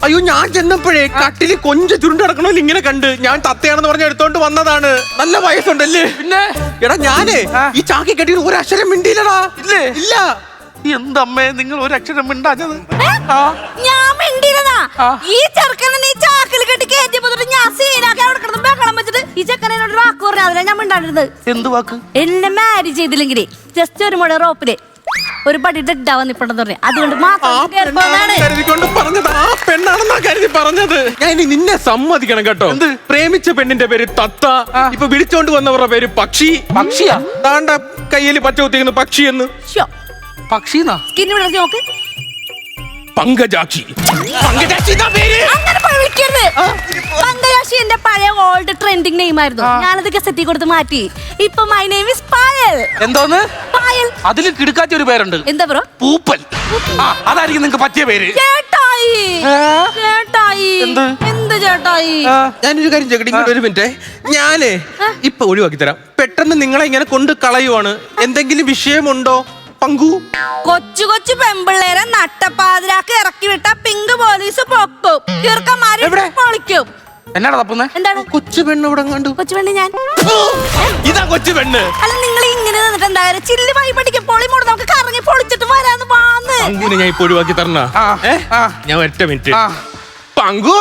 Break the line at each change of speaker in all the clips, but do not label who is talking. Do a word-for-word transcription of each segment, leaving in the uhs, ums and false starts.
അയ്യോ ഞാൻ ചെന്നപ്പോഴേ കട്ടില് കൊഞ്ച ചുരുണ്ട് കിടക്കണോ ഇങ്ങനെ കണ്ട് ഞാൻ തത്തയാണെന്ന് പറഞ്ഞ എടുത്തോണ്ട് വന്നതാണ്. നല്ല വയസ്സുണ്ടല്ലേ?
പിന്നെ
എടാ ഞാനേ ഈ ചാക്കി കെട്ടിയിട്ട് ഒരു അക്ഷരം മിണ്ടിയില്ലടാ.
ഇല്ലേ?
ഇല്ല.
എന്തമ്മേ നിങ്ങൾ ഒരു അക്ഷരം മിണ്ടാഞ്ഞത്?
ഞാൻ മിണ്ടിയിരുന്നാ ഈ ചെറുക്കനെ നീ ചാക്കിൽ കെട്ടി കയറ്റിയപ്പോ ഞാൻ സീനാക്കി അവിടെ കിടന്ന് ബഹളം വെച്ചിട്ട് ഈ ചെക്കനോട് വാക്ക് പറഞ്ഞു. അതിലാണ് ഞാൻ മിണ്ടാണ്ടിരുന്നത്.
എന്ത് വാക്ക്?
എന്നെ മാരേജ് ചെയ്തില്ലെങ്കിൽ ജസ്റ്റ് ഒരു മുഴ റോപ്പില് ഒരു പടി ഡെഡാവാൻ നിപ്പുണ്ടെന്ന് പറഞ്ഞു. അതുകൊണ്ട്
കരുതിക്കൊണ്ട് പറഞ്ഞത് ആ പെണ്ണാണെന്നാ കരുതി പറഞ്ഞത്. ഞാൻ ഇനി നിന്നെ സമ്മതിക്കണം കേട്ടോ.
എന്ത്?
പ്രേമിച്ച പെണ്ണിന്റെ പേര് തത്ത, ഇപ്പൊ വിളിച്ചോണ്ട് വന്നവരുടെ പേര് പക്ഷി.
പക്ഷിയാ?
താണ്ട കയ്യിൽ പച്ച കുത്തിക്കുന്നു പക്ഷി എന്ന്.
പക്ഷീന്നാ?
സ്കിന്ന് വിടർത്തി നോക്ക്.
പങ്കജാക്ഷി. പങ്കജാക്ഷി പേര്.
അങ്ങനെ വിളിക്കരുത്. പങ്കജാക്ഷി എന്റെ പഴയ ഓൾഡ് ട്രെൻഡിങ് നെയിം ആയിരുന്നു. ഞാനത് ഗസറ്റി കൊടുത്ത് മാറ്റി. ഇപ്പൊ മൈ നെയിം ഈസ് പായൽ.
എന്തോന്ന്?
പായൽ.
അതിൽ കിടക്കാത്ത ഒരു പേരുണ്ട്.
എന്താ ബ്രോ?
പൂപ്പൽ. ആ അതായിരിക്കും നിങ്ങക്ക് പറ്റിയ പേര്.
ചേട്ടായി. ചേട്ടായി.
എന്ത്?
എന്ത് ചേട്ടായി?
ഞാനൊരു കാര്യം ചോദിക്കട്ടെ, ഇങ്ങോട്ട് ഒരു മിനിറ്റ്. ഞാനേ ഇപ്പൊ ഒഴിവാക്കി തരാം. പെട്ടെന്ന് നിങ്ങളെ ഇങ്ങനെ കൊണ്ട് കളയുവാണ്. എന്തെങ്കിലും വിഷയമുണ്ടോ പങ്കു?
കൊച്ചു കൊച്ചു പെമ്പിള്ളേരെ നട്ടപ്പാതിരാക്ക് ഇറക്കി വിട്ട പിങ്ക് പോലീസ് പൊക്കും. ചെറുക്കന്മാര് പൊളിക്കും.
എന്നാടാ തപ്പുന്നേ?
എന്താണ്?
കൊച്ചു പെണ്ണ് ഇവിടെ കണ്ടു.
കൊച്ചു പെണ്ണ് ഞാൻ.
ഇതാ കൊച്ചു പെണ്ണ്.
അല്ല നിങ്ങൾ ഇങ്ങനെ നിന്നിട്ട് എന്തായാലും ചില്ല് വായി പഠിക്കും. പൊളി മൂട് നമുക്ക് കറങ്ങി പൊളിച്ചിട്ട് വരാന്ന് വാന്ന്.
പങ്കുവിനെ ഞാൻ ഇപ്പൊ ഒഴിവാക്കി തരണ. ഞാൻ ഒറ്റ മിനിറ്റ്. പങ്കു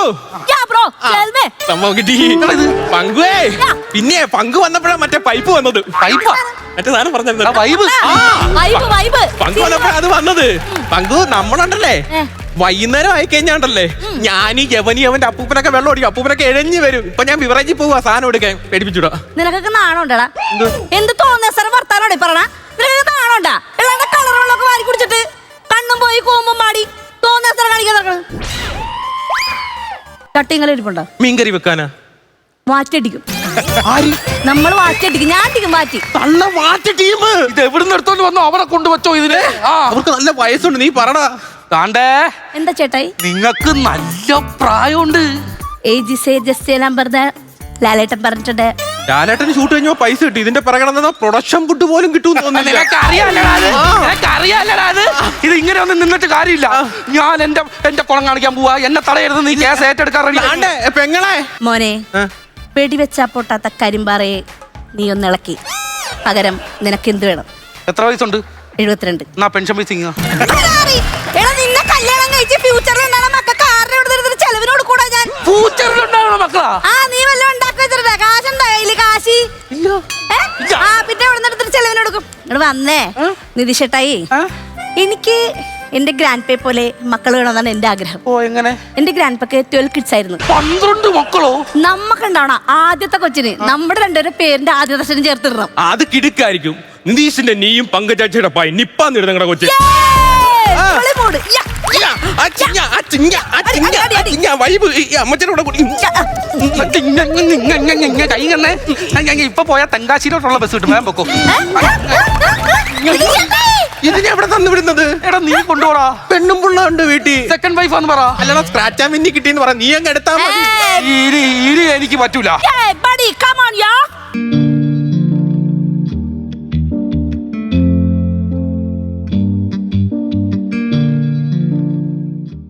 സംഭവം കിട്ടി. പങ്കുവേ പിന്നെ പങ്കു വന്നപ്പോഴാ മറ്റേ പൈപ്പ് വന്നത്.
പൈപ്പാ?
മറ്റേ സാധനം പറഞ്ഞത്
വൈബ്.
പങ്കു വന്നപ്പോഴാ അത് വന്നത്. പങ്കു നമ്മളുണ്ടല്ലേ വൈകുന്നേരം ആയി കഴിഞ്ഞാണ്ടല്ലേ ഞാൻ ഈ യവനി അവന്റെ അപ്പൂപ്പനൊക്കെ വെള്ളം ഓടിക്കും. അപ്പൂപ്പനൊക്കെ എഴഞ്ഞു വരും. ഇപ്പൊ ഞാൻ വിവറേജ് പോവാ സാധനം എടുക്കാൻ. പേടിപ്പിച്ചുടാ.
നിനക്കൊക്കെ നാണോണ്ടടാ? എന്ത് തോന്നിയ സാറ് വർത്താനോടെ പറഞ്ഞ നിനക്ക് നാണോണ്ടാ? എല്ലാണ്ട് കളർ വെള്ളമൊക്കെ വാരി കുടിച്ചിട്ട് കണ്ണും പോയി കൂമ്പും മാടി തോന്നിയ സാറ് കാണിക്കാൻ നടക്കണം. ചട്ടിങ്ങനെ ഇരിപ്പുണ്ടോ?
മീൻകറി വെക്കാനാ?
വാറ്റടിക്കും. നമ്മൾ വാറ്റടിക്കും. ഞാൻ അടിക്കും വാറ്റി.
നല്ല വാറ്റ ടീം.
ഇത് എവിടുന്ന് എടുത്തോണ്ട് വന്നോ? അവരെ കൊണ്ടുവച്ചോ ഇതിന്? ആ
അവർക്ക് നല്ല വയസ്സുണ്ട്. നീ പറടാ.
താണ്ടേ
എന്താ ചേട്ടായി?
നിങ്ങക്ക് നല്ല പ്രായമുണ്ട്.
Age say just number Lalettan പറഞ്ഞിട്ടുണ്ട്.
ലാലേട്ടന് ഷൂട്ട് കഴിഞ്ഞോ പൈസ കിട്ടി. ഇതിന്റെ പിറകെ പ്രൊഡക്ഷൻ ഫുഡ് പോലും കിട്ടും തോന്നുന്നില്ല.
ഇത് ഇങ്ങനെ ഒന്നും നിന്നിട്ട് കാര്യമില്ല. ഞാൻ എന്റെ എന്റെ കുളം കാണിക്കാൻ പോവാ. എന്നെ തടയരുത്. നീ കേസ് ഏറ്റെടുക്കാൻ
പെങ്ങളെ.
മോനെ വെടിവെച്ചാ പൊട്ടാത്ത കരിമ്പാറയെ നീ ഒന്ന് ഇളക്കി. പകരം നിനക്ക് എന്ത് വേണം?
എത്ര വയസ്സുണ്ട്?
എഴുപത്തിരണ്ട്.
എന്നാ പെൻഷൻ പൈസ
നിന്നെ കല്യാണം കഴിച്ച് ഫ്യൂച്ചറിൽ ചെലവിനോട് കൂടാ ഞാൻ.
ഫ്യൂച്ചറിലുണ്ടാകണ മക്കളാ? ആ
നീ വല്ല ഉണ്ടാക്കി വെച്ചിട്ടാ? കാശുണ്ടോ കയ്യില്? കാശി ആ പിന്നെ എവിടെ നിന്നെടുത്തിട്ട് ചെലവിനോടുക്കും. ഇവിടെ വന്നേ നിധിഷേട്ടായി, എനിക്ക് എന്റെ ഗ്രാൻഡ് പേ പോലെ മക്കൾ വേണമെന്നാണ് എന്റെ ആഗ്രഹം.
ഓ എങ്ങനെ?
എന്റെ ഗ്രാൻഡ് പേക്ക് ട്വൽവ് കിഡ്സ് ആയിരുന്നു.
പന്ത്രണ്ട് മക്കളോ?
നമ്മക്കുണ്ടാവണം ആദ്യത്തെ കൊച്ചിന് നമ്മുടെ രണ്ടുപേരുടെ പേരിന്റെ ആദ്യത്തെ അക്ഷരം ചേർത്തിടണം.
അത് കിടുക്കായിരിക്കും. നിതീഷിന്റെ നീയും പങ്കജാക്ഷിയുടെ പായി നിപ്പാന്ന് നിങ്ങളുടെ കൊച്ചി.
ഇപ്പൊ പോയാ തെങ്കാശിയിലോട്ടുള്ള ബസ് കിട്ടും. വേഗം പൊക്കോ.
ഇതിനെ എവിടെ തന്നു വിടുന്നത്?
എടാ നീ കൊണ്ടുപോടാ.
പെണ്ണും പിള്ള ഉണ്ട് വീട്ടിൽ.
സെക്കൻഡ് വൈഫ് ആന്ന് പറ.
അല്ലടാ സ്ക്രാച്ച് ആൻഡ് വിന്നി കിട്ടിയെന്ന് പറ. നീ അങ്ങ് എടുത്താ മതി.
എനിക്ക് പറ്റൂല.